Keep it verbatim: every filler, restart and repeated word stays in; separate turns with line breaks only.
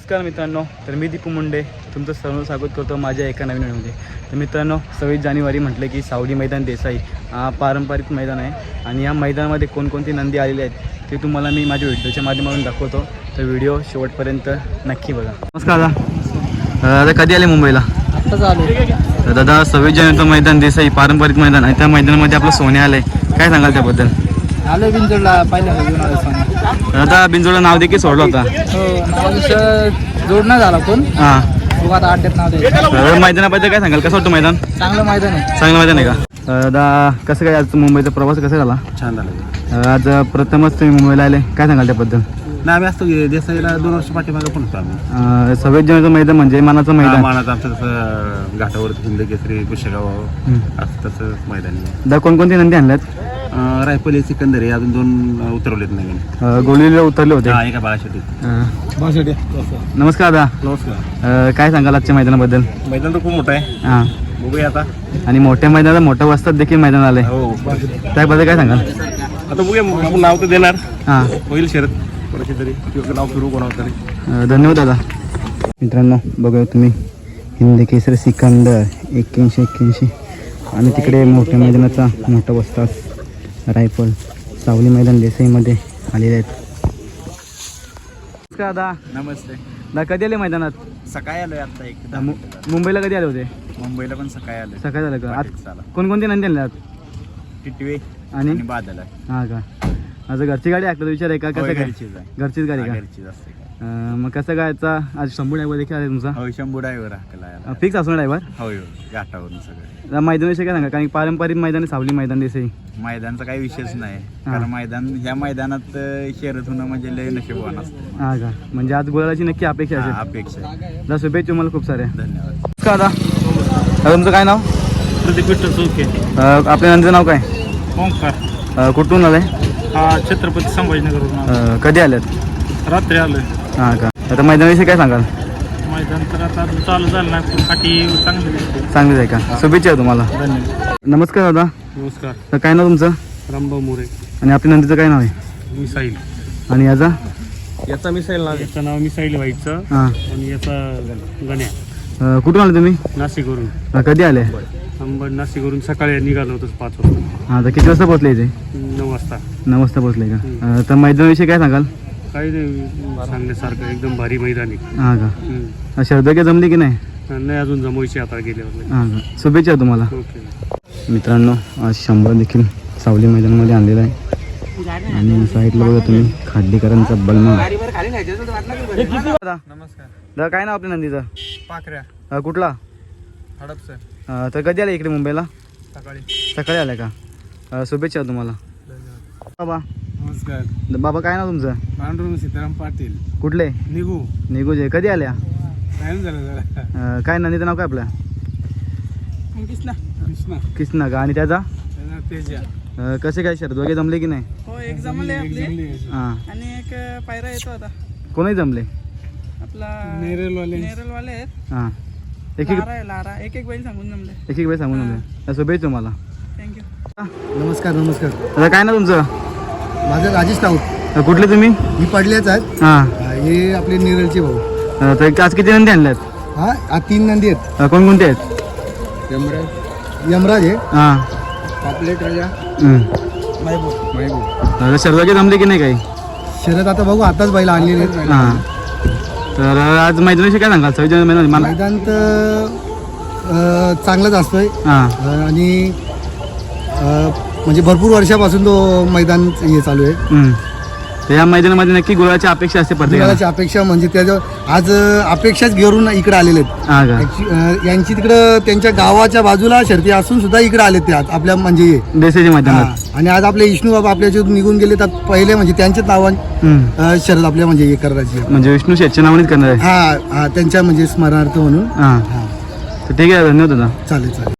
नमस्कार मित्रांनो, तर मी दीपू मुंडे तुमचं सर्व स्वागत करतो माझ्या एका नवीन व्हिडिओमध्ये. तर मित्रांनो, सव्वीस जानेवारी म्हटलं की सावली मैदान देसाई हा पारंपरिक मैदान आहे आणि या मैदानामध्ये कोणकोणती नंदी आलेली आहेत ते तुम्हाला मी माझ्या व्हिडिओच्या माध्यमातून दाखवतो. तर व्हिडिओ शेवटपर्यंत नक्की बघा. नमस्कार दादा. दादा कधी आले मुंबईला?
आत्ताच आलो.
दादा सव्वीस जानेवारीचं मैदान देसाई पारंपरिक मैदान आहे, त्या मैदानामध्ये आपलं सोने आलं आहे, काय सांगाल त्याबद्दल?
आलो बिंजोडला पहिल्यांदा घेऊन आलो सोने.
दादा बिंजोडला नाव देखील सोडलं होता.
हो, नाव जोडणं झाला पण
हां,
बघू आता अड्ड्यात नाव द्यायचं.
मैदानाबद्दल काय सांगाल, कसं वाटतं मैदान?
चांगलं मैदान आहे.
चांगलं मैदान आहे का? दादा कसं काय आज मुंबईचा प्रवास कसा झाला?
छान झालं.
आज प्रथमच तुम्ही मुंबईला आले, काय सांगाल त्याबद्दल?
नाही आम्ही असतो की देसाईला दोन वर्ष पाठीमागे पण होतो आम्ही.
सव्वीस जानेवारीचं मैदान म्हणजे मानाचं मैदान.
मानाचं आमचं तसं घाटावर हिंद केसरी पुष्यगाव असं तसं मैदानी.
दादा कोणकोणती नंदी आणल्यात?
रायफल सिकंदर आहे, अजून दोन उतरवलेत नवीन.
गोलीला उतरले होते.
हा, एका बाळासाठी.
नमस्कार दादा.
नमस्कार.
काय सांगाल आजच्या मैदानाबद्दल?
मैदान तर खूप मोठं आहे.
हां,
बघूया आता.
आणि मोठ्या मैदानात मोठ्या वस्तात देखील मैदान आले,
हो,
त्याबद्दल काय सांगाल?
आता बघूया, आपण नाव तर देणार.
हां,
होईल शरद कोणाची तरी किंवा नाव फिरू कोणावर तरी.
धन्यवाद दादा. मित्रांनो बघा तुम्ही, हिंद केसरी सिकंदर एक्क्याऐंशी एक्क्याऐंशी आणि तिकडे मोठ्या मैदानाचा मोठा वस्ताद रायफल सावली मैदान देसाईमध्ये आलेले आहेत. नमस्कार दादा.
नमस्ते.
दादा कधी आले मैदानात?
सकाळी आलोय आता. एक
मु- मुंबईला कधी आले होते?
मुंबईला पण सकाळी आलोय.
सकाळी झालं का? आज
चला.
कोणकोणते नंदी आणल्यात?
टिटवे
आणि
आणि बादल आहे.
हां का? माझं घरची गाडी आहे, विचार आहे का? कसं काय?
घरचीच आहे.
घरचीच गाडी का?
घरचीच असते का?
अं, मग कसं काय याचा आज शंभू ड्रायव्हर देखील आहे तुमचा?
हो, शंभू ड्रायव्हर हाकला.
फिक्स असणार ड्रायव्हर?
हो, हो, घाटावरून सगळं.
मैदानाविषयी काय सांगा, कारण पारंपरिक मैदान आहे सावली मैदान देसाई.
मैदानचा काही विषयच नाही, कारण मैदान ह्या मैदानात अं, शर्यत होणं म्हणजे लय नशीबवान असतं.
हां का? म्हणजे आज गुलालाची नक्की अपेक्षा
हा,
असेल.
अपेक्षा आहे.
दादा शुभेच्छा तुम्हाला खूप साऱ्या.
धन्यवाद.
नमस्कार दादा. तुमचं काय नाव?
प्रदीप विठ्ठल चौके.
अं, आपल्या नंदीचं नाव काय?
ओंकार.
अं, कुठून आलंय?
हा, छत्रपती संभाजीनगरवरून
अं, कधी आल्यात?
रात्री आलोय.
हां का? आता मैदानाविषयी काय सांगाल?
मैदान तर आता चालू झालं नाही, पण फाटी चांगली दिसते.
चांगलीच आहे का? शुभेच्छा तुम्हाला.
धन्यवाद.
नमस्कार दादा.
नमस्कार.
तर काय नाव तुमचं?
रामभाऊ मोरे.
आणि आपल्या नंदीचं काय नाव आहे?
मिसाईल.
आणि याचा?
याचा मिसाईल नाव. याचं नाव मिसाईल व्हायचं
हां.
आणि याचा गण्या.
अं, कुठून आले तुम्ही?
नाशिकवरून.
अं, कधी आले?
अंबड नाशिकवरून सकाळी निघालो होतो पाच वाजता.
हां, तर किती वाजता पोहोचले इथे?
नऊ वाजता.
नऊ वाजता पोहोचले का? अं, तर मैदानाविषयी काय सांगाल?
काही नाही सांगण्यासारखं, एकदम भारी मैदान आहे.
हां का?
हम्म.
शर्द काय जमली की नाही?
नाही अजून जमवायची आता गेल्यावर.
हां का? शुभेच्छा तुम्हाला.
ओके.
मित्रांनो आज शंभर देखील सावली मैदानामध्ये आणलेला आहे आणि साईडला बघा तुम्ही खाडीकरांचा बलमा.
नमस्कार.
दादा काय नाव आपल्या नंदीचं?
पाखऱ्या.
अं, कुठला?
हडपसर.
अं, तर कधी आले इकडे मुंबईला?
सकाळी.
सकाळी आल्या का? अं, शुभेच्छा तुम्हाला. बाबा.
नमस्कार.
बाबा काय नाव तुमचं?
पांडुरंग सीताराम पाटील.
कुठले?
निघू.
निघूजे. कधी आल्या?
टाइम झाला जरा.
अं, काय नंदीचं नाव काय आपल्या?
कृष्णा. कृष्णा.
किसना का? आणि त्याचा?
तेजा.
अं, कसे काय शर्द वगैरे जमले की नाही?
हो, एक जमले आपले
हां.
आणि एक पायरा येतो आता.
कोणीही जमले?
आपला
नेरलवाले.
नेरलवाले आहेत.
हां. एक एक
लारा आहे, लारा. एक एक बैल सांगून जमले.
एक एक वेळ सांगून जमले. शुभेच्छा तुम्हाला.
थँक्यू.
नमस्कार नमस्कार.
दादा काय नाव तुमचं?
माझं राजेश राऊत.
अं, कुठले तुम्ही?
ही पडलेच आहेत.
हां.
हे आपले निरलचे भाऊ.
अं, तर आज किती नंदी आणल्यात?
हा आज तीन नंदी आहेत.
अं, कोणकोणते आहेत?
यमराज यमराज आहे.
हां.
पापलेट राजा.
हं.
महबूब महबूब.
दादा शर्द वगैरे जमले की नाही काही?
शरद आता बघू, आताच बैल आणलेले आहेत.
हां. तर आज मैदानाविषयी काय सांगाल? सव्वीस जानेवारी मला.
मैदान तर अं, चांगलंच असतोय.
हां.
अं, आणि अं, म्हणजे भरपूर वर्षापासून तो मैदान हे चालू आहे.
हं. तर या मैदानामध्ये नक्की गुलाची अपेक्षा असते प्रत्येकाला.
गुलालाची अपेक्षा म्हणजे त्याच्या आज अं, अपेक्षाच घेऊन इकडे आलेले आहेत.
हां का?
Actu- अं, यांची तिकडं त्यांच्या गावाच्या बाजूला शर्ती असून सुद्धा इकडे आलेत ते आज आपल्या म्हणजे हे.
देसाईच्या मैदानात.
हा. आणि आज आपले विष्णू बाबा आपल्याच्यातून निघून गेले तर पहिले म्हणजे त्यांच्याच नावाने
हं.
अं, शरद आपल्या म्हणजे हे करायची.
म्हणजे विष्णू शेठच्या नावानेच करणार आहे.
हा हा त्यांच्या म्हणजे स्मरणार्थ म्हणून.
हां.
हा
तर ठीक आहे, धन्यवाद दादा.
चालेल चालेल.